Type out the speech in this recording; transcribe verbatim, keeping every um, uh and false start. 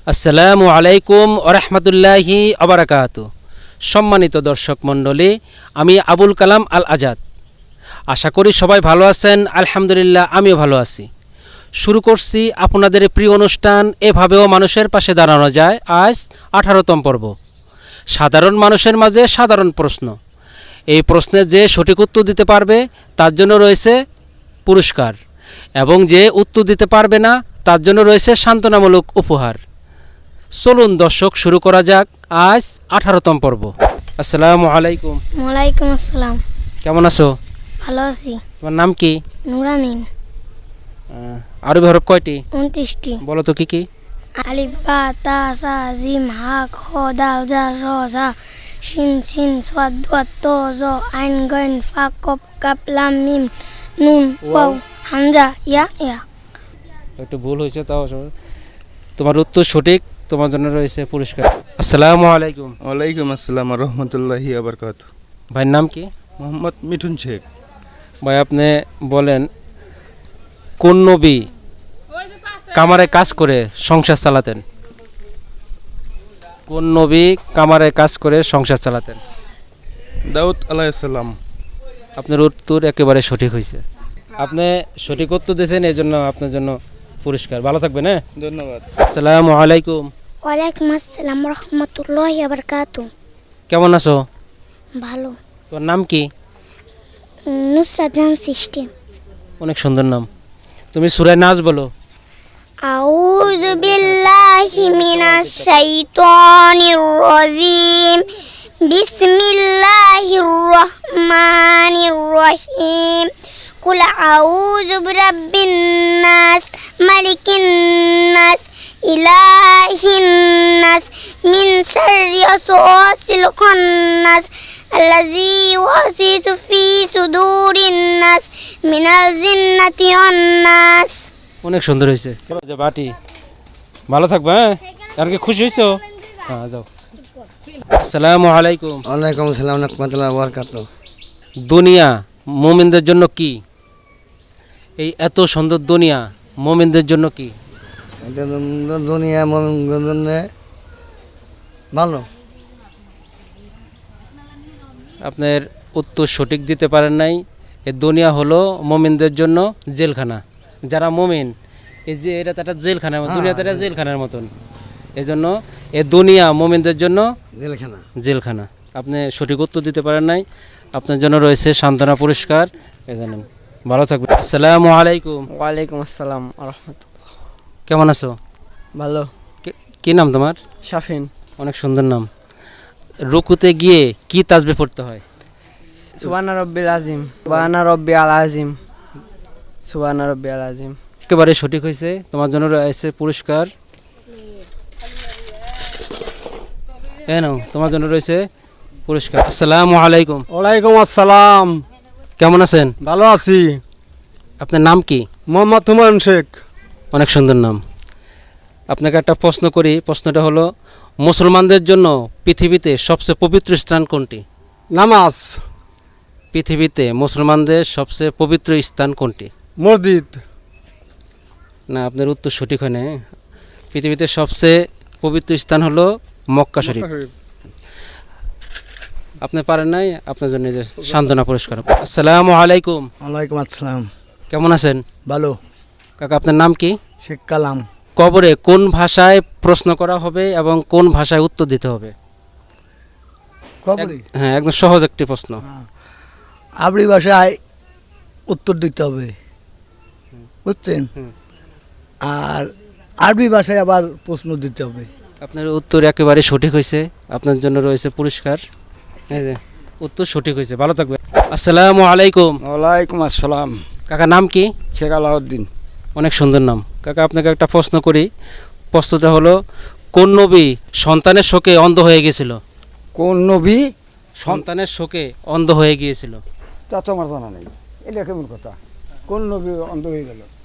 আসসালামু আলাইকুম ওয়া রাহমাতুল্লাহি ওয়া বারাকাতুহু। সম্মানিত দর্শক মণ্ডলী, আমি আবুল কালাম আল আজাদ। আশা করি সবাই ভালো আছেন। আলহামদুলিল্লাহ, আমিও ভালো আছি। শুরু করছি আপনাদের প্রিয় অনুষ্ঠান এভাবেও মানুষের পাশে দাঁড়ানো যায়। আজ আঠারোতম পর্ব, সাধারণ মানুষের মাঝে সাধারণ প্রশ্ন। এই প্রশ্নের যে সঠিক উত্তর দিতে পারবে তার জন্য রয়েছে পুরস্কার, এবং যে উত্তর দিতে পারবে না তার জন্য রয়েছে সান্ত্বনামূলক উপহার। চলুন দর্শক, শুরু করা যাক আজ আঠারোতম পর্ব। আসসালামু আলাইকুম। ওয়ালাইকুম আসসালাম। কেমন আছো? ভালো আছি। তোমার নাম কি? নুরামিন। আরবি হরফ কয়টি? উনত্রিশটি। বলো তো কি কি? আলিফ বা তা সা জিম হা খ দাল জাল র সা শিন শিন সাদ দাত ত জ আইন গাইন ফা কফ কাফ লাম মিম নুন ওয়াও হামজা ইয়া ইয়া। একটু ভুল হয়েছে, তাও তোমার উত্তর সঠিক, তোমার জন্য রয়েছে পুরস্কার। আসসালামু আলাইকুম। ওয়ালাইকুম আসসালাম রহমতুল্লাহি ওয়া বারাকাতুহু। ভাইয়ের নাম কি? মোহাম্মদ মিঠুন শেখ। ভাই, আপনি বলেন কোন নবী কামারে কাজ করে সংসার চালাতেন? কোন নবী কামারে কাজ করে সংসার চালাতেন? দাউদ আলাইহিস সালাম। আপনার উত্তর একেবারে সঠিক হয়েছে। আপনি সঠিক উত্তর দিয়েছেন, এই জন্য আপনার জন্য পুরস্কার। ভালো থাকবেন। হ্যাঁ, ধন্যবাদ। আসসালামু আলাইকুম। ওয়ালাইকুম আসসালাম রহমতুল্লাহি ওয়া বারাকাতুহু। কেমন আছো? ভালো। তোর নাম কি? নুসরাত জাহান সৃষ্টি। অনেক সুন্দর নাম। তুমি সূরা নাস বলো। আউযু বিল্লাহি মিনাশ শাইতানির রাজিম। বিসমিল্লাহির রহমানির রহিম। কুল আউযু বিরাব্বিন নাস মালিকিন নাস ইলাহিন নাস মিন শাররি ওয়াসওয়াসিল খান্নাস আল্লাযী ইউওয়াসওয়িসু ফি সুদুরিন নাস মিনাল জিন্নাতি ওয়ান নাস। অনেক সুন্দর হয়েছে। যে বাটি, ভালো থাকবে। হ্যাঁ, আর কি খুশি হয়েছো? হ্যাঁ, যাও। আসসালামু আলাইকুম। ওয়ালাইকুম আসসালাম রাহমাতুল্লাহি ওয়া বারাকাতুহু। দুনিয়া মুমিনদের জন্য কি? এই এত সুন্দর দুনিয়া মুমিনদের জন্য কি? এটা দুনিয়া মুমিনদের জন্য ভালো। আপনার উত্তর সঠিক দিতে পারেন নাই। এই দুনিয়া হলো মুমিনদের জন্য জেলখানা। যারা মুমিন, এই যে এটা তো একটা জেলখানা, দুনিয়াতে একটা জেলখানার মতন। এই জন্য এই দুনিয়া মুমিনদের জন্য জেলখানা। জেলখানা। আপনি সঠিক উত্তর দিতে পারেন নাই, আপনার জন্য রয়েছে সান্ত্বনা পুরস্কার। এই জানেন, ভালো থাকবেন। আসসালামু আলাইকুম। ওয়ালাইকুম আসসালাম রহমতুল্লাহ। কেমন আছো? ভালো। কি নাম তোমার? শাফিন। অনেক সুন্দর নাম। রুকুতে গিয়ে কি তাসবিহ পড়তে হয়? সুবহানা রাব্বিল আযীম, সুবহানা রাব্বিয়াল আযীম, সুবহানা রাব্বিয়াল আযীম। একেবারে সঠিক হয়েছে, তোমার জন্য রয়েছে পুরস্কার। এ নাও, তোমার জন্য রয়েছে পুরস্কার। আসসালামু আলাইকুম। ওয়ালাইকুম আসসালাম। কেমন আছেন? ভালো আছি। আপনার নাম কি? মোহাম্মদ হুমায়ুন শেখ। অনেক সুন্দর নাম। আপনাকে একটা প্রশ্ন করি। প্রশ্নটা হলো, মুসলমানদের জন্য পৃথিবীতে সবচেয়ে পবিত্র স্থান কোনটি? নামাজ। পৃথিবীতে মুসলমানদের সবচেয়ে পবিত্র স্থান কোনটি? মসজিদ। না, আপনার উত্তর সঠিক হয় না। পৃথিবীতে সবচেয়ে পবিত্র স্থান হলো মক্কা শরীফ। আপনি পারেন নাই, আপনার জন্য যে সান্ত্বনা পুরস্কার। আসসালামু আলাইকুম। ওয়ালাইকুম আসসালাম। কেমন আছেন? ভালো। কাকা, আপনার নাম কি? শেখ কালাম। কবরে কোন ভাষায় প্রশ্ন করা হবে এবং কোন ভাষায় উত্তর দিতে হবে? কবরে হ্যাঁ, একদম সহজ একটি প্রশ্ন। আরবি ভাষায় উত্তর দিতে হবে, বুঝছেন? আর আরবি ভাষায় আবার প্রশ্ন দিতে হবে। আপনার উত্তর একেবারে সঠিক হয়েছে, আপনার জন্য রয়েছে পুরস্কার। এই যে উত্তর সঠিক হয়েছে, ভালো থাকবে। আসসালামু আলাইকুম। ওয়ালাইকুম আসসালাম। কাকা, নাম কি? শেখ আলাউদ্দিন। অনেক সুন্দর নাম। কাকা, আপনাকে একটা প্রশ্ন করি। প্রশ্নটা হলো, কোন নবী সন্তানের শোকে অন্ধ হয়ে গিয়েছিল? কোন নবী সন্তানের শোকে অন্ধ হয়ে গিয়েছিল? তা তো আমার জানা নেই। এটা কেমন কথা? কোন নবী অন্ধ হয়ে গেল?